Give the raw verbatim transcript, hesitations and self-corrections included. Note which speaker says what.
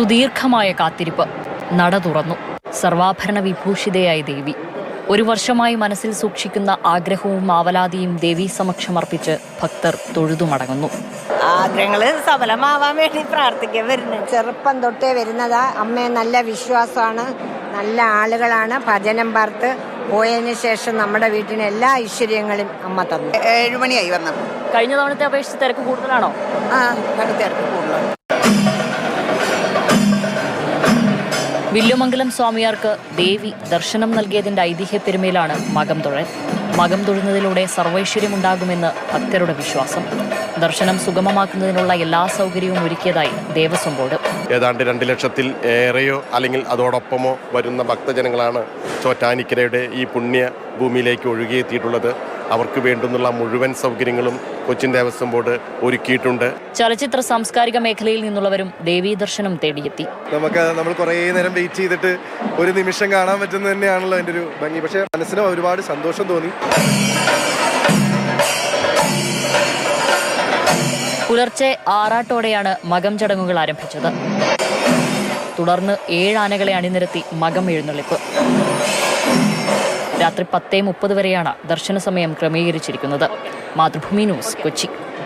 Speaker 1: സുദീർഘമായ കാത്തിരിപ്പ്. നട തുറന്നു. സർവാഭരണ വിഭൂഷിതയായി ദേവി. ഒരു വർഷമായി മനസ്സിൽ സൂക്ഷിക്കുന്ന ആഗ്രഹവും ആവലാതിയും ദേവീ സമക്ഷമർപ്പിച്ച് ഭക്തർ തൊഴുതുമടങ്ങുന്നു.
Speaker 2: ആഗ്രഹങ്ങൾ സഫലമാവാൻ വേണ്ടി പ്രാർത്ഥിക്കാൻ വരുന്നത്. ചെറുപ്പം തൊട്ടേ വരുന്നതാ. അമ്മയെ നല്ല വിശ്വാസമാണ്, നല്ല ആളുകളാണ്. ഭജനം പാർത്ത് പോയതിന് ശേഷം നമ്മുടെ വീട്ടിന് എല്ലാ ഐശ്വര്യങ്ങളും അമ്മ തന്നു.
Speaker 3: ഏഴുമണിയായി വന്നപ്പോൾ.
Speaker 1: കഴിഞ്ഞ തവണത്തെ അപേക്ഷിച്ച് തിരക്ക് കൂടുതലാണോ?
Speaker 3: ആ തിരക്ക് കൂടുതലാണ്.
Speaker 1: വില്ലുമംഗലം സ്വാമിയാർക്ക് ദേവി ദർശനം നൽകിയതിന്റെ ഐതിഹ്യ പെരുമയിലാണ് മകം തൊഴൽ. മകം തൊഴുന്നതിലൂടെ സർവൈശ്വര്യമുണ്ടാകുമെന്ന് ഭക്തരുടെ വിശ്വാസം. ദർശനം സുഗമമാക്കുന്നതിനുള്ള എല്ലാ സൗകര്യവും ഒരുക്കിയതായി ദേവസ്വം ബോർഡ്.
Speaker 4: ഏതാണ്ട് രണ്ട് ലക്ഷത്തിൽ ഏറെയോ അല്ലെങ്കിൽ അതോടൊപ്പമോ വരുന്ന ഭക്തജനങ്ങളാണ് ചോറ്റാനിക്കരയുടെ ഈ പുണ്യ ഭൂമിയിലേക്ക് ഒഴുകിയെത്തിയിട്ടുള്ളത്. അവർക്ക് വേണ്ടുന്നുള്ള മുഴുവൻ സൗകര്യങ്ങളും കൊച്ചിൻ ദേവസ്വം ബോർഡ് ഒരുക്കിയിട്ടുണ്ട്.
Speaker 1: ചലച്ചിത്ര സാംസ്കാരിക മേഖലയിൽ നിന്നുള്ളവരും ദേവീ ദർശനം തേടിയെത്തി.
Speaker 5: നമുക്ക് നമ്മൾ കുറേ നേരം വെയിറ്റ് ചെയ്തിട്ട് ഒരു നിമിഷം കാണാൻ പറ്റുന്നത് തന്നെയാണല്ലോ എൻ്റെ ഒരു ഭംഗി. പക്ഷേ മനസ്സിന് ഒരുപാട് സന്തോഷം തോന്നി.
Speaker 1: പുലർച്ചെ ആറാട്ടോടെയാണ് മകം ചടങ്ങുകൾ ആരംഭിച്ചത്. തുടർന്ന് ഏഴ് ആനകളെ അണിനിരത്തി മകം എഴുന്നള്ളിപ്പ്. രാത്രി പത്തേ മുപ്പത് വരെയാണ് ദർശന സമയം ക്രമീകരിച്ചിരിക്കുന്നത്. മാതൃഭൂമി ന്യൂസ്, കൊച്ചി.